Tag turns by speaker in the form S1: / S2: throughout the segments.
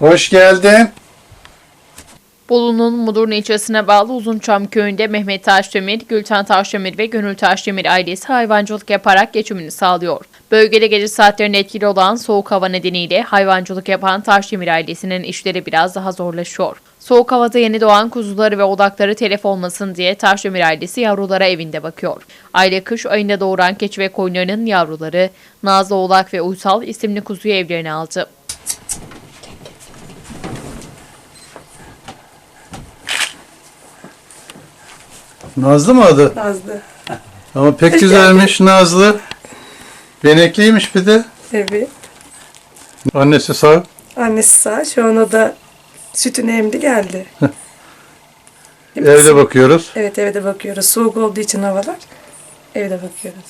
S1: Hoş geldin.
S2: Bolu'nun Mudurnu ilçesine bağlı Uzunçam köyünde Mehmet Taşdemir, Gülten Taşdemir ve Gönül Taşdemir ailesi hayvancılık yaparak geçimini sağlıyor. Bölgede gece saatlerinde etkili olan soğuk hava nedeniyle hayvancılık yapan Taşdemir ailesinin işleri biraz daha zorlaşıyor. Soğuk havada yeni doğan kuzuları ve odakları telef olmasın diye Taşdemir ailesi yavrulara evinde bakıyor. Aile kış ayında doğuran keçi ve koyunlarının yavruları Nazlı Oğlak ve Uysal isimli kuzuyu evlerine aldı.
S1: Nazlı mı adı?
S3: Nazlı.
S1: Ama pek güzelmiş Nazlı. Benekliymiş bir de.
S3: Evet.
S1: Annesi sağ.
S3: Annesi sağ. Şu an o da sütünü emdi geldi.
S1: Evde bakıyoruz.
S3: Evet, evde bakıyoruz. Soğuk olduğu için havalar. Evde bakıyoruz.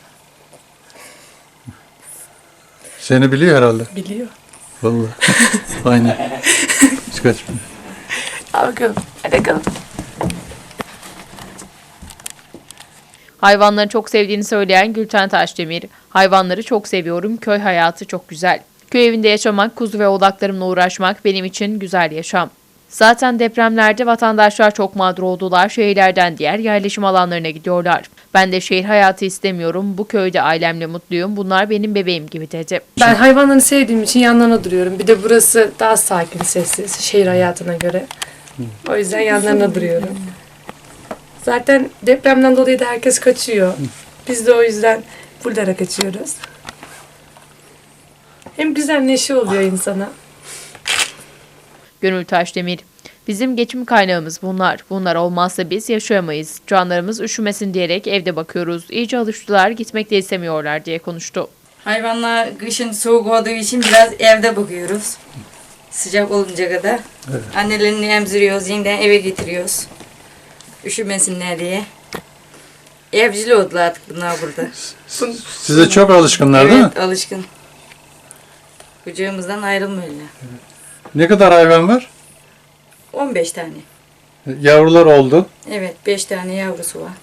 S1: Seni biliyor herhalde.
S3: Biliyor.
S1: Vallahi. Aynen. Hiç kaçmıyor.
S3: Al bakalım. Hadi bakalım.
S2: Hayvanları çok sevdiğini söyleyen Gülten Taşdemir, hayvanları çok seviyorum, köy hayatı çok güzel. Köy evinde yaşamak, kuzu ve odaklarımla uğraşmak benim için güzel yaşam. Zaten depremlerde vatandaşlar çok mağdur oldular, şehirlerden diğer yerleşim alanlarına gidiyorlar. Ben de şehir hayatı istemiyorum, bu köyde ailemle mutluyum, bunlar benim bebeğim gibi dedi.
S3: Ben hayvanları sevdiğim için yanlarına duruyorum. Bir de burası daha sakin, sessiz şehir hayatına göre. O yüzden yanlarına duruyorum. Zaten depremden dolayı da herkes kaçıyor. Biz de o yüzden buralara kaçıyoruz. Hem güzel neşe oluyor insana.
S2: Gönül Taşdemir, bizim geçim kaynağımız bunlar. Bunlar olmazsa biz yaşayamayız. Canlarımız üşümesin diyerek evde bakıyoruz. İyice alıştılar, gitmek de istemiyorlar diye konuştu.
S4: Hayvanlar kışın soğuk olduğu için biraz evde bakıyoruz. Sıcak olunca kadar. Evet. Annelerini emziriyoruz, yeniden eve getiriyoruz. Üşümesinler diye. Evcil oldular artık bunlar burada.
S1: Size çok alışkınlar değil mi?
S4: Evet, alışkın. Kucağımızdan ayrılmıyorlar.
S1: Ne kadar hayvan var?
S4: 15 tane.
S1: Yavrular oldu.
S4: Evet, 5 tane yavrusu var.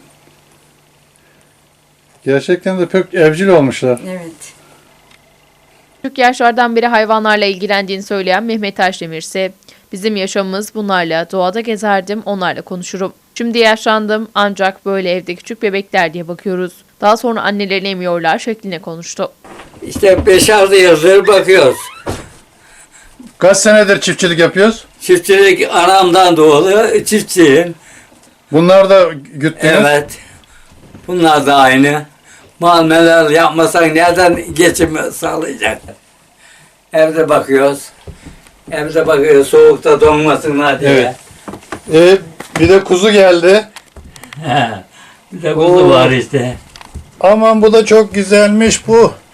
S1: Gerçekten de pek evcil olmuşlar.
S4: Evet.
S2: Küçük yaşlardan beri hayvanlarla ilgilendiğini söyleyen Mehmet Taşdemir ise bizim yaşamımız bunlarla, doğada gezerdim, onlarla konuşurum. Şimdi yaşlandım ancak böyle evde küçük bebekler diye bakıyoruz. Daha sonra annelerini emiyorlar şekline konuştu.
S5: İşte 5-6 yıldır bakıyoruz.
S1: Kaç senedir çiftçilik yapıyoruz?
S5: Çiftçilik anamdan doğulu çiftçiyim.
S1: Bunlar da güttünüz.
S5: Evet. Bunlar da aynı. Muameleler yapmasan nereden geçim sağlayacak? Evde bakıyoruz. Evde bakıyoruz soğukta donmasınlar diye.
S1: Evet. Bir de kuzu geldi.
S5: He. Bir de kuzu var işte.
S1: Aman bu da çok güzelmiş bu.